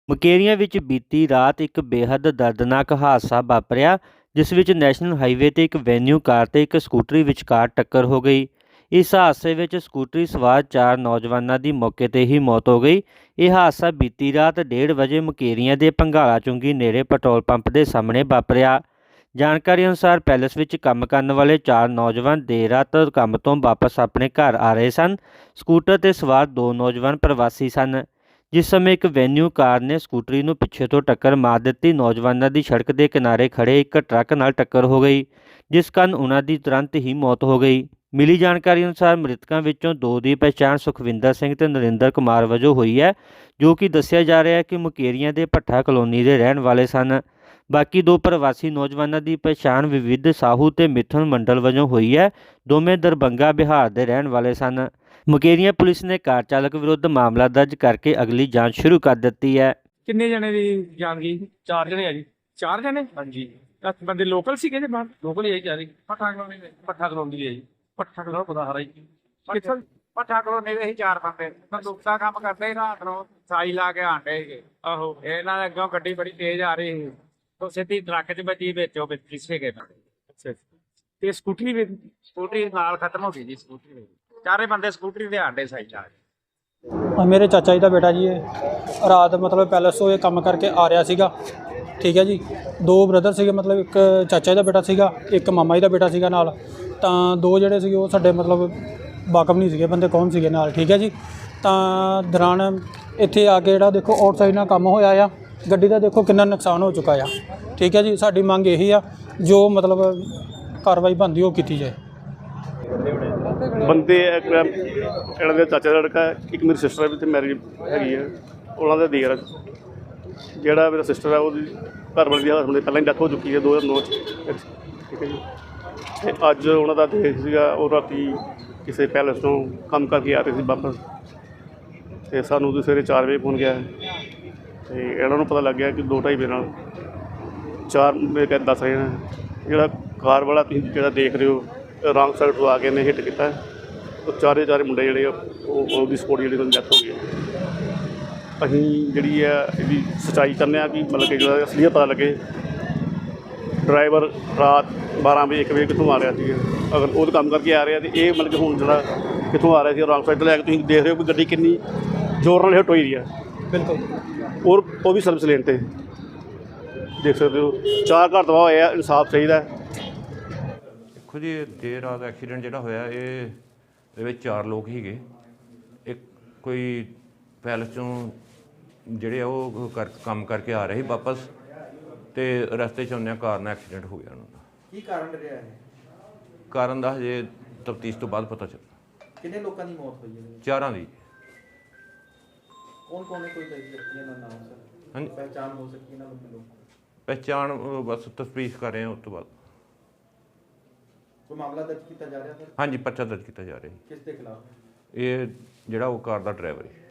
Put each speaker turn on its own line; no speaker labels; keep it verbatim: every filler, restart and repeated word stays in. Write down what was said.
ਮੁਕੇਰੀਆਂ ਵਿੱਚ ਬੀਤੀ ਰਾਤ ਇੱਕ ਬੇਹੱਦ ਦਰਦਨਾਕ ਹਾਦਸਾ ਵਾਪਰਿਆ, ਜਿਸ ਵਿੱਚ ਨੈਸ਼ਨਲ ਹਾਈਵੇ 'ਤੇ ਇੱਕ ਵੈਨਿਊ ਕਾਰ ਤੇ ਇੱਕ ਸਕੂਟਰੀ ਵਿਚਕਾਰ ਟੱਕਰ ਹੋ ਗਈ। ਇਸ ਹਾਦਸੇ ਵਿੱਚ ਸਕੂਟਰੀ ਸਵਾਰ ਚਾਰ ਨੌਜਵਾਨਾਂ ਦੀ ਮੌਕੇ 'ਤੇ ਹੀ ਮੌਤ ਹੋ ਗਈ। ਇਹ ਹਾਦਸਾ ਬੀਤੀ ਰਾਤ ਡੇਢ ਵਜੇ ਮੁਕੇਰੀਆਂ ਦੇ ਭੰਗਾਲਾ ਚੁੰਗੀ ਨੇੜੇ ਪੈਟਰੋਲ ਪੰਪ ਦੇ ਸਾਹਮਣੇ ਵਾਪਰਿਆ। ਜਾਣਕਾਰੀ ਅਨੁਸਾਰ ਪੈਲਸ ਵਿੱਚ ਕੰਮ ਕਰਨ ਵਾਲੇ ਚਾਰ ਨੌਜਵਾਨ ਦੇਰ ਰਾਤ ਕੰਮ ਤੋਂ ਵਾਪਸ ਆਪਣੇ ਘਰ ਆ ਰਹੇ ਸਨ। ਸਕੂਟਰ 'ਤੇ ਸਵਾਰ ਦੋ ਨੌਜਵਾਨ ਪ੍ਰਵਾਸੀ ਸਨ। ਜਿਸ ਸਮੇਂ ਇੱਕ ਵੈਨਿਊ ਕਾਰ ਨੇ ਸਕੂਟਰੀ ਨੂੰ ਪਿੱਛੇ ਤੋਂ ਟੱਕਰ ਮਾਰ ਦਿੱਤੀ। ਨੌਜਵਾਨਾਂ ਦੀ ਸੜਕ ਦੇ ਕਿਨਾਰੇ ਖੜ੍ਹੇ ਇੱਕ ਟਰੱਕ ਨਾਲ ਟੱਕਰ ਹੋ ਗਈ, ਜਿਸ ਕਾਰਨ ਉਹਨਾਂ ਦੀ ਤੁਰੰਤ ਹੀ ਮੌਤ ਹੋ ਗਈ। ਮਿਲੀ ਜਾਣਕਾਰੀ ਅਨੁਸਾਰ ਮ੍ਰਿਤਕਾਂ ਵਿੱਚੋਂ ਦੋ ਦੀ ਪਛਾਣ ਸੁਖਵਿੰਦਰ ਸਿੰਘ ਤੇ ਨਰਿੰਦਰ ਕੁਮਾਰ ਵਜੋਂ ਹੋਈ ਹੈ, ਜੋ ਕਿ ਦੱਸਿਆ ਜਾ ਰਿਹਾ ਹੈ ਕਿ ਮੁਕੇਰੀਆਂ ਦੇ ਭੱਠਾ ਕਲੋਨੀ ਦੇ ਰਹਿਣ ਵਾਲੇ ਸਨ। ਬਾਕੀ ਦੋ ਪ੍ਰਵਾਸੀ ਨੌਜਵਾਨਾਂ ਦੀ ਪਛਾਣ ਵਿਵਿਧ ਸਾਹੂ ਤੇ ਮਿਥੁਨ ਮੰਡਲ ਵਜੋਂ ਹੋਈ ਹੈ। ਦੋਵੇਂ ਦਰਭੰਗਾ ਬਿਹਾਰ ਦੇ ਰਹਿਣ ਵਾਲੇ ਸਨ। ਮੁਕੇਰੀਆਂ ਪੁਲਿਸ ਨੇ ਕਾਰ ਚਾਲਕ ਵਿਰੁੱਧ ਮਾਮਲਾ ਦਰਜ ਕਰਕੇ ਅਗਲੀ ਜਾਂਚ ਸ਼ੁਰੂ ਕਰ ਦਿੱਤੀ ਹੈ।
ਕਿੰਨੇ ਜਣੇ ਦੀ ਜਾਨ ਗਈ? ਚਾਰ ਜਣੇ ਆ ਜੀ। ਚਾਰ ਜਣੇ? ਹਾਂਜੀ। ਬੰਦੇ ਲੋਕਲ ਸੀਗੇ ਜੀ? ਬਾਹਰ ਲੋਕਲ ਹੀ ਚਾਰੇ। ਪੱਠਾ ਕਲੋਨੀ ਦੇ ਪੱਠਾ ਕਲੋਨੀ ਦੇ ਜੀ। ਪੱਠਾ ਕਲੋਨੀ ਪਤਾ ਹਰਾ ਜੀ ਕਿੱਥੋਂ?
ਪੱਠਾ ਕਲੋਨੀ ਦੇ ਹੀ ਚਾਰ ਬੰਦੇ ਬੰਦੂਕ ਦਾ ਕੰਮ ਕਰਦੇ ਰਾਤ ਨੂੰ ਸਾਈ ਲਾ ਕੇ ਆਂਡੇ ਸੀਗੇ।
ਆਹੋ।
ਇਹਨਾਂ ਦੇ ਅੱਗੋਂ ਗੱਡੀ ਬੜੀ ਤੇਜ਼ ਆ ਰਹੀ ਸੀ, ਉਹ ਸਿੱਧੀ ਟਰੱਕ 'ਚ ਵੱਜੀ, ਵਿੱਚੋਂ ਪਿੱਛੇ ਗਏ ਬੰਦੇ।
ਅੱਛਾ। ਤੇ ਸਕੂਟਰੀ ਵੀ?
ਸਕੂਟਰੀ ਨਾਲ ਖਤਮ ਹੋ ਗਈ ਜੀ। ਸਕੂਟਰੀ ਦੇ ਚਾਰੇ ਬੰਦੇ ਸਕੂਟਰੀ ਦੇ ਆਂਡੇ ਸਾਈ ਲਾ ਕੇ।
ਮੇਰੇ ਚਾਚਾ ਜੀ ਦਾ ਬੇਟਾ ਜੀ, ਇਹ ਰਾਤ ਮਤਲਬ ਪੈਲਸ ਤੋਂ ਇਹ ਕੰਮ ਕਰਕੇ ਆ ਰਿਹਾ ਸੀਗਾ, ਠੀਕ ਹੈ ਜੀ। ਦੋ ਬ੍ਰਦਰ ਸੀਗੇ, ਮਤਲਬ ਇੱਕ ਚਾਚਾ ਜੀ ਦਾ ਬੇਟਾ ਸੀਗਾ, ਇੱਕ ਮਾਮਾ ਜੀ ਦਾ ਬੇਟਾ ਸੀਗਾ ਨਾਲ। ਤਾਂ ਦੋ ਜਿਹੜੇ ਸੀਗੇ ਉਹ ਸਾਡੇ ਮਤਲਬ ਵਾਕਫ ਨਹੀਂ ਸੀਗੇ ਬੰਦੇ ਕੌਣ ਸੀਗੇ ਨਾਲ, ਠੀਕ ਹੈ ਜੀ। ਤਾਂ ਦੌਰਾਨ ਇੱਥੇ ਆ ਕੇ ਜਿਹੜਾ ਦੇਖੋ ਆਊਟਸਾਈਡ ਨਾਲ ਕੰਮ ਹੋਇਆ ਆ, ਗੱਡੀ ਦਾ ਦੇਖੋ ਕਿੰਨਾ ਨੁਕਸਾਨ ਹੋ ਚੁੱਕਾ ਆ, ਠੀਕ ਹੈ ਜੀ। ਸਾਡੀ ਮੰਗ ਇਹੀ ਆ ਜੋ ਮਤਲਬ ਕਾਰਵਾਈ ਬਣਦੀ ਉਹ ਕੀਤੀ ਜਾਏ।
ਬੰਦੇ ਇਹਨਾਂ ਦੇ ਚਾਚਾ ਦਾ ਲੜਕਾ, ਇੱਕ ਮੇਰੀ ਸਿਸਟਰ ਵੀ ਤੇ ਮੈਰਿਜ ਹੈਗੀ ਹੈ, ਉਹਨਾਂ ਦਾ ਦੇਰ। ਜਿਹੜਾ ਮੇਰਾ ਸਿਸਟਰ ਹੈ ਉਹਦੀ ਘਰ ਵਾਲੀ ਦੀ ਹਸਬੈਂਡ ਦੀ ਪਹਿਲਾਂ ਹੀ ਡੈਥ ਹੋ ਚੁੱਕੀ ਹੈ ਦੋ ਹਜ਼ਾਰ ਨੌ 'ਚ, ਠੀਕ ਹੈ ਜੀ। ਅਤੇ ਅੱਜ ਉਹਨਾਂ ਦਾ ਦੇਰ ਸੀਗਾ, ਉਹ ਰਾਤੀ ਕਿਸੇ ਪੈਲਸ ਤੋਂ ਕੰਮ ਕਰਕੇ ਆ ਰਹੇ ਸੀ ਵਾਪਸ, ਅਤੇ ਸਾਨੂੰ ਉਹਦੇ ਸਵੇਰੇ ਚਾਰ ਵਜੇ ਫੋਨ ਗਿਆ ਅਤੇ ਇਹਨਾਂ ਨੂੰ ਪਤਾ ਲੱਗ ਗਿਆ ਕਿ ਦੋ ਢਾਈ ਵਜੇ ਨਾਲ ਚਾਰ ਮੇਰੇ ਕਹਿ ਦੱਸ ਰਹੇ ਨੇ, ਜਿਹੜਾ ਕਾਰ ਵਾਲਾ ਤੁਸੀਂ ਜਿਹੜਾ ਦੇਖ ਰਹੇ ਹੋ ਰੌਂਗ ਸਾਈਡ ਤੋਂ ਆ ਕੇ ਇਹਨੇ ਹਿੱਟ ਕੀਤਾ। ਉਹ ਚਾਰੇ ਚਾਰੇ ਮੁੰਡੇ ਜਿਹੜੇ ਆ ਉਹ ਉਹਦੀ ਸਪੋਰਟ ਜਿਹੜੀ ਉਹਨਾਂ ਦੀ ਡੈਥ ਹੋ ਗਈ। ਅਸੀਂ ਜਿਹੜੀ ਆ ਇਹਦੀ ਸੱਚਾਈ ਚਾਹੁੰਦੇ ਹਾਂ ਕਿ ਮਤਲਬ ਕਿ ਜਿਹੜਾ ਅਸਲੀਅਤ ਪਤਾ ਲੱਗੇ। ਡਰਾਈਵਰ ਰਾਤ ਬਾਰ੍ਹਾਂ ਵਜੇ ਇੱਕ ਵਜੇ ਕਿੱਥੋਂ ਆ ਰਿਹਾ ਸੀ? ਅਗਰ ਉਹ ਕੰਮ ਕਰਕੇ ਆ ਰਿਹਾ ਤਾਂ ਇਹ ਮਤਲਬ ਕਿ ਹੁਣ ਜਿਹੜਾ ਕਿੱਥੋਂ ਆ ਰਿਹਾ ਸੀ ਰੌਂਗ ਸਾਈਡ ਤੋਂ ਲੈ ਕੇ ਤੁਸੀਂ ਦੇਖ ਰਹੇ ਹੋ ਕਿ ਗੱਡੀ ਕਿੰਨੀ ਜ਼ੋਰ ਨਾਲ ਹਿੱਟ ਹੋਈ ਰਹੀ ਆ।
ਬਿਲਕੁਲ।
ਔਰ ਉਹ ਵੀ ਸਰਵਿਸ ਲੇਨ 'ਤੇ ਦੇਖ ਸਕਦੇ ਹੋ। ਚਾਰ ਘਰ ਤਬਾਹ ਹੋਏ ਆ, ਇਨਸਾਫ ਚਾਹੀਦਾ।
ਦੇਖੋ ਜੀ, ਦੇਰ ਰਾਤ ਐਕਸੀਡੈਂਟ ਜਿਹੜਾ ਹੋਇਆ ਇਹ ਇਹਦੇ ਵਿੱਚ ਚਾਰ ਲੋਕ ਸੀਗੇ। ਇੱਕ ਕੋਈ ਪੈਲਸ 'ਚੋਂ ਜਿਹੜੇ ਆ ਉਹ ਕਰ ਕੰਮ ਕਰਕੇ ਆ ਰਹੇ ਸੀ ਵਾਪਸ, ਅਤੇ ਰਸਤੇ 'ਚ ਆਉਂਦਿਆਂ ਕਾਰ ਨਾਲ ਐਕਸੀਡੈਂਟ ਹੋ ਗਿਆ ਉਹਨਾਂ ਦਾ।
ਕੀ ਕਾਰਨ ਰਿਹਾ ਹੈ?
ਕਾਰਨ ਦਾ ਹਜੇ ਤਫਤੀਸ਼ ਤੋਂ ਬਾਅਦ ਪਤਾ ਚੱਲਦਾ।
ਕਿੰਨੇ ਲੋਕਾਂ ਦੀ ਮੌਤ ਹੋਈ ਹੈ?
ਚਾਰਾਂ ਦੀ।
ਕੌਣ ਕੌਣ ਹੈ? ਕੋਈ ਵਿਅਕਤੀਆਂ ਦਾ ਨਾਮ ਸਰ?
ਹਾਂਜੀ,
ਪਹਿਚਾਣ ਹੋ ਸਕੀ ਇਹਨਾਂ ਲੋਕਾਂ ਦੀ?
ਪਹਿਚਾਣ ਅਹ ਬਸ ਤਫਤੀਸ਼ ਕਰ ਰਹੇ ਹਾਂ, ਉਸ ਤੋਂ ਬਾਅਦ।
ਕੋਈ ਮਾਮਲਾ ਦਰਜ ਕੀਤਾ ਜਾ ਰਿਹਾ ਸਰ?
ਹਾਂਜੀ, ਪਰਚਾ ਦਰਜ ਕੀਤਾ ਜਾ ਰਿਹਾ ਜੀ।
ਕਿਸ ਦੇ ਖਿਲਾਫ?
ਇਹ ਜਿਹੜਾ ਉਹ ਕਾਰ ਦਾ ਡਰਾਈਵਰ ਹੈ।